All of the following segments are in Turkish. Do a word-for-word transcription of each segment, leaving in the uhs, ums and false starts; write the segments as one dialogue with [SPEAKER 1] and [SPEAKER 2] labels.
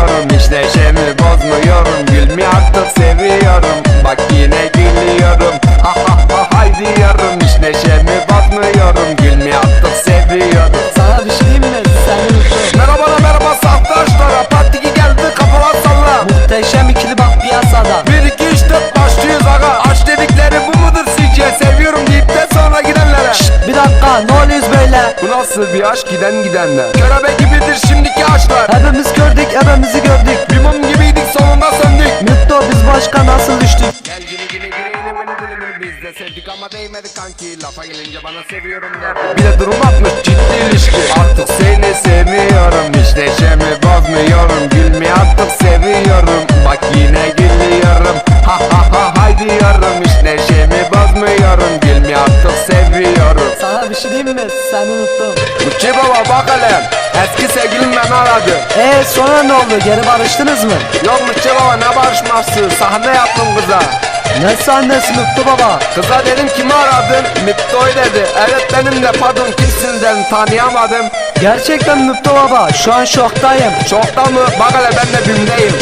[SPEAKER 1] seviyorum, hiç neşemi bozmuyorum. Gülmeyi artık seviyorum, bak yine gülüyorum. Ha ha ha hay diyorum, hiç neşemi bozmuyorum. Gülmeyi artık seviyorum.
[SPEAKER 2] Sana bir şey diyeyim mi? Seni unuttum.
[SPEAKER 1] Merhaba merhaba saftaşlara, partiki geldi kafalar salla.
[SPEAKER 2] Muhteşem ikili bak piyasada.
[SPEAKER 1] Bir iki üç dört başlıyoruz aga. Aşk dedikleri bu mudur sizce? Seviyorum deyip de sonra gidenlere.
[SPEAKER 2] Şşt, bir dakika, ne oluyoruz böyle?
[SPEAKER 1] Bu nasıl bir aşk, giden gidenler? Körebe gibidir şimdiki aşklar.
[SPEAKER 2] Hepimiz gördük, hepimizi gördük.
[SPEAKER 1] Bir mum gibiydik, sonunda söndük.
[SPEAKER 2] Mutlu, biz başka nasıl düştük?
[SPEAKER 1] Gel gini gini girelim beni dilimini, biz de sevdik ama değmedi kanki. Lafa gelince bana seviyorum der. Bir de durum atmış ciddi ilişki. Artık seni seviyorum, hiç neşemi bozmuyorum. Gülmeyi artık seviyorum, bak yine gülüyorum. Ha ha ha hay diyorum, hiç neşemi bozmuyorum. Gülmeyi artık seviyorum.
[SPEAKER 2] Sana bir şey diyeyim mi? Seni unuttum.
[SPEAKER 1] Uçi baba bak hele, eski sevgilim beni aradı.
[SPEAKER 2] Eee sonra ne oldu? Geri barıştınız mı?
[SPEAKER 1] Yok Uçi baba, ne barışması, sahne yaptım kıza.
[SPEAKER 2] Ne sahnesi Mutlu baba?
[SPEAKER 1] Kıza dedim kimi aradın? Miptoy dedi. Evet benim de, pardon kimsin dedim, tanıyamadım.
[SPEAKER 2] Gerçekten Mutlu baba, şu an şoktayım.
[SPEAKER 1] Şokta mı? Bak hele ben de bimdeyim.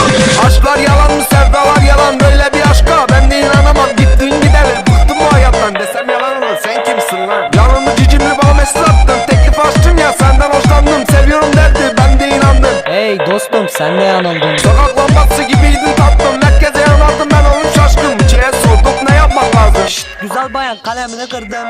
[SPEAKER 1] Aşklar yalan mı, sevdalar yalan, böyle bir aşka ben de inanamam. Gittin gidelim, bıktım bu hayattan, desem yalan olur. Sen kimsin lan? Yanımı cicimli bana mesaj attın, teklif açtım ya, senden hoşlandım. Seviyorum derdi, ben de inandım.
[SPEAKER 2] Hey dostum, sen ne yanıldın?
[SPEAKER 1] Sokak lambası gibiydin tatlım, merkeze yanardım ben, oğlum şaşkın. Çiğe sorduk, ne yapmak lazım? Şşt,
[SPEAKER 2] Güzel bayan, kalemini kırdım.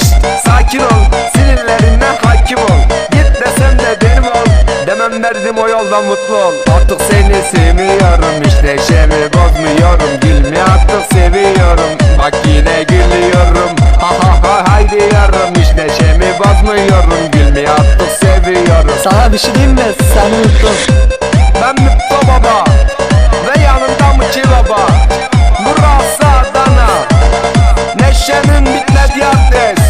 [SPEAKER 1] sakin ol, sinirlerine hakim ol. Git desem de benim ol, demem derdim o yoldan mutlu ol. Artık seni sevmiyorum, hiç neşemi bozmuyorum. Gülmeyi artık seviyorum, bak yine gülüyorum. Ha ha ha hay diyorum, hiç neşemi bozmuyorum. Gülmeyi artık seviyorum.
[SPEAKER 2] Sana bir şey diyeyim mi? Seni unuttum.
[SPEAKER 1] Ben Mutlu Baba ve yanımda Mıçı Baba. Burası Adana, neşenin bitmediği adres.